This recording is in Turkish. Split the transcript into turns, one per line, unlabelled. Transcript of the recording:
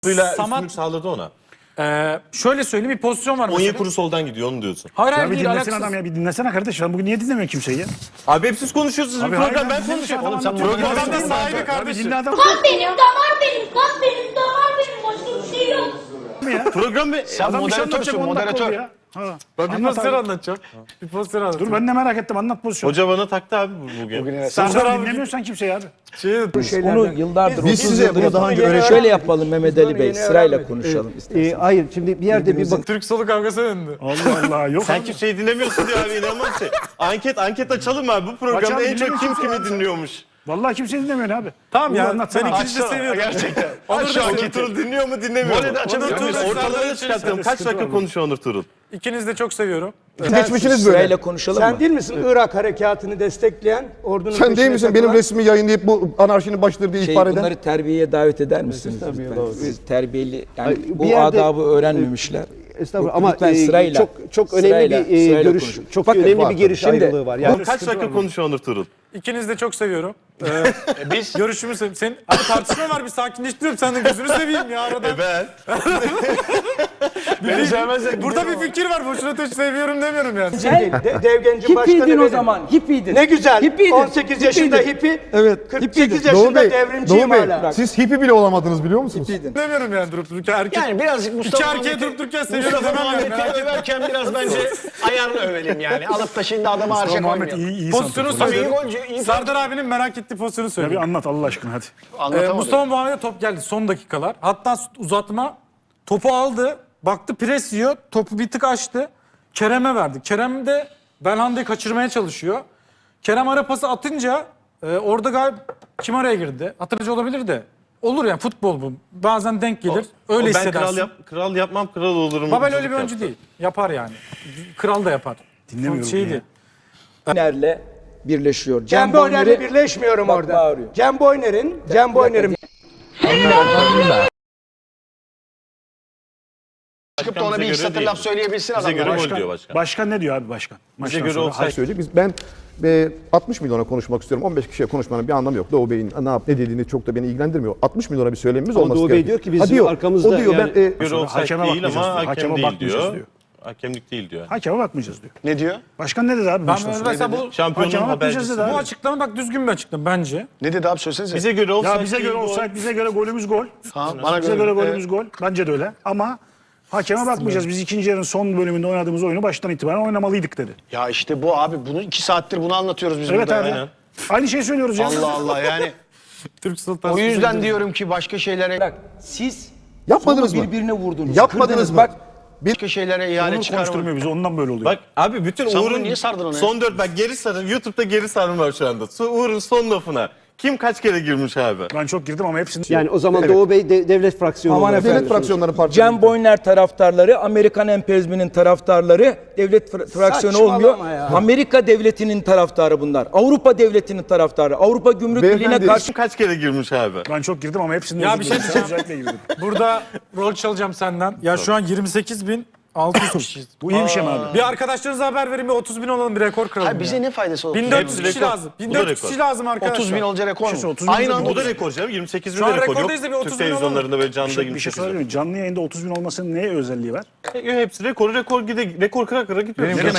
Üstünlük sağladı ona.
Şöyle söyleyeyim, bir pozisyon var mesela.
Onyekuru soldan gidiyor, onu diyorsun.
Hayır
Ya
hayır
bir
değil,
dinlesene
alakasız.
adam ya, bir dinlesene kardeş. Ben bugün niye dinlemiyorum kimseyi ya?
Abi hep siz konuşuyorsunuz.
Abi
Bir program
hayır,
ben
dinle
konuşuyorum.
adam
Oğlum sen
anlatıyor.
programda
Adam da sahibi
Abi
kardeşim.
dinle adam.
Kan benim, damar benim, kan benim, damar benim. Başka bir şey yok.
program
Sen
Adam bir şey
moderatörsün,
anlatacak, 10 dakika oldu
moderatör.
ya. Ha.
Ben bir
Anlat
pozisyon
abi.
anlatacağım. Bir pozisyon anlatacağım.
Dur ben de merak ettim, anlat pozisyonu.
Hoca bana taktı abi bugün.
Sen
abi
dinlemiyorsan kimseyi abi.
Onu yıllardır,
Biz
30
size
yıldır
bunu daha önce
şöyle
öğrettik.
yapalım Mehmet Ali Bey, sırayla konuşalım isterseniz.
Hayır şimdi bir yerde bir bak.
Türk solu kavgası döndü.
Allah Allah yok.
Sen kimseyi dinlemiyorsun diyor abi, inanılmaz şey. Anket açalım abi, bu programda
Açalım,
en çok kim
dinleyin
kimi
kimse.
dinliyormuş.
Vallahi kimseyi dinlemiyor abi.
Tamam ya, ben
anlatsana.
ikinci de seviyorum.
Gerçekten.
Onur Turul dinliyor mu dinlemiyor mu?
açalım.
Onur Turul ortalarına çıkartalım. Kaç dakika konuşuyor Onur Turul?
İkinizi de çok seviyorum.
Geçmişiniz böyle.
Sırayla konuşalım
Sen
mı?
değil misin Irak harekatını destekleyen ordunun
Sen değil
peşine
misin benim
takılan?
resmimi yayınlayıp bu anarşinin başıdır diye ihbar eden?
Bunları terbiyeye davet eder misiniz
Tabii,
lütfen?
doğru.
Siz terbiyeli, yani
Ay,
bu
bir yerde-
adabı öğrenmemişler.
Estağfurullah ama
Lütfen sırayla,
çok önemli
sırayla,
bir
sırayla
görüş,
konuşun.
çok
Bakın,
önemli
var
bir görüş
tabii.
ayrılığı var. Yani
Kaç dakika konuşuyor Onur Turul?
İkinizi de çok seviyorum. Biz görüşümü seveyim. Senin abi tartışma var, bir sakinleştiriyorum. Sen de gözünü seveyim ya arada.
Ben.
Beni sevmezler.
Burada bir fikir var. Boşuna seviyorum demiyorum yani.
Devgenci başkanı
Hippiydin o
benim.
zaman, hippiydin.
Ne güzel.
Hippiydin.
18 yaşında hippi.
Evet.
48
Doğu
yaşında
Bey,
devrimciyim
Doğu Bey,
hala.
siz hippi bile olamadınız biliyor musunuz?
Demiyorum yani durup dururken. Erkek,
Yani birazcık
iki
Mustafa
erkeğe durup dururken seviyorum
Mustafa
demem yani.
Muhammed'i överken biraz bence ayarlı övelim yani. Alıp da şimdi adamı harca
Muhammed
koymayalım.
iyi
Pozisyonu
santrafor.
Tabii iyi
söylüyorum.
golcü, iyi
Serdar abinin merak ettiği pozisyonu
Ya bir
söyleyeyim.
anlat Allah aşkına hadi.
anlatamadım.
Mustafa Muhammed'e top geldi son dakikalar. Hatta uzatma, topu aldı. Baktı pres yiyor. Topu bir tık açtı. Kerem'e verdi. Kerem de Belhanda'yı kaçırmaya çalışıyor. Kerem ara pası atınca orada galiba kim araya girdi? Hatırlayıcı olabilir de. Olur yani, futbol bu. Bazen denk gelir. Öyle
Ben
hissedersin.
kral yapmam, kral olurum.
Babel öyle bir oyuncu değil. Yapar yani. Kral da yapar.
Dinlemiyorum
Şey
ya.
değil.
Nerle birleşiyor.
Cem Boyner'le birleşmiyorum
Bak,
orada.
bağırıyor.
Cem Boyner'in
Çıkıp da ona bir iki satır laf söyleyebilsin
Bize göre
adamlar.
gol diyor başkan.
Başkan ne diyor abi başkan?
Bize
Maçtan
göre
sonra.
olsaydı.
Söyleyeyim. Ben 60 milyona konuşmak istiyorum. 15 kişiye konuşmanın bir anlamı yok. Doğu Bey'in ne dediğini çok da beni ilgilendirmiyor. 60 milyona bir söylemimiz
Ama
olması
Doğu Bey
gerekiyor.
diyor ki biz
Ha diyor,
arkamızda
o diyor
yani-
ben
Göre olsaydı
Hakeme
değil
bakmayacağız
ama
diyor.
hakem
Hakeme
değil
bakmayacağız
diyor.
diyor.
Hakemlik değil diyor.
Hakeme bakmayacağız diyor.
Ne diyor?
Başkan ne dedi abi?
Ben
maçtan sonra?
mesela bu
Şampiyonun
Hakeme bakmayacağız
habercisi.
dedi abi.
bu açıklama bak düzgün bir açıklama bence.
Ne dedi abi söylesenize.
Bize göre olsaydı
Ya bize göre
değil,
olsaydı, bize göre golümüz gol.
Ha, bana
Bize göre
göre.
golümüz gol. Bence de öyle. Ama hakeme bakmayacağız. Biz ikinci yarının son bölümünde oynadığımız oyunu baştan itibaren oynamalıydık dedi.
Ya işte bu abi, bunu 2 saattir bunu anlatıyoruz biz
Evet
burada.
abi.
ya.
Aynı şeyi söylüyoruz ya.
Allah Allah yani.
Türk Sultan.
O yüzden diyorum ki başka şeylere
Bak, siz
Yapmadınız
solu
mı?
birbirine vurdunuz.
Yapmadınız
kırdınız.
mı?
Bak,
başka şeylere ihale
Onur
çıkarma.
konuşturmuyor bizi. Ondan böyle oluyor.
Bak abi bütün
Sen bunu
Uğur'un
niye sardın ona ya?
son 4 bak geri sarın. YouTube'da geri sarım var şu anda. Uğur'un son lafına. Kim kaç kere girmiş abi?
Ben çok girdim ama hepsini...
Yani o zaman Doğu Bey devlet fraksiyonu
Aman
olarak
efendim.
devlet fraksiyonları partisi.
Cem Boyner taraftarları, Amerikan emperyalizminin taraftarları, devlet fraksiyonu
Saçmalama
olmuyor.
ya.
Amerika devletinin taraftarı bunlar. Avrupa devletinin taraftarı. Avrupa Gümrük Birliği'ne
Beyefendi,
karşı
Kim kaç kere girmiş abi?
Ben çok girdim ama hepsini...
Ya bir şey diyeceğim.
Özellikle girdim.
Burada rol çalacağım senden. Ya şu an 28.600 kişiyiz.
Bu iyi bir şey mi abi?
Bir arkadaşlarınıza haber verin, bir 30.000 olalım, bir rekor kıralım.
Hayır, bize
ya.
ne faydası olur?
1400
Hepsi
kişi
rekor.
lazım.
Bu da
1400
rekor.
kişi lazım arkadaşlar.
30 bin olacak rekor mu?
Şey, 30 bin
Aynı
olacak.
anda
Bu da rekor canım. 28 bin
Şu an
de rekor.
rekordayız da bir
Yok
30
Türk
bin olalım.
televizyonlarında böyle canlıda
Bir şey
28 bin.
söyleyeyim mi? Canlı yayında 30 bin olmasının neye özelliği var?
Hepsi rekor gide rekor kıra kıra gidiyor.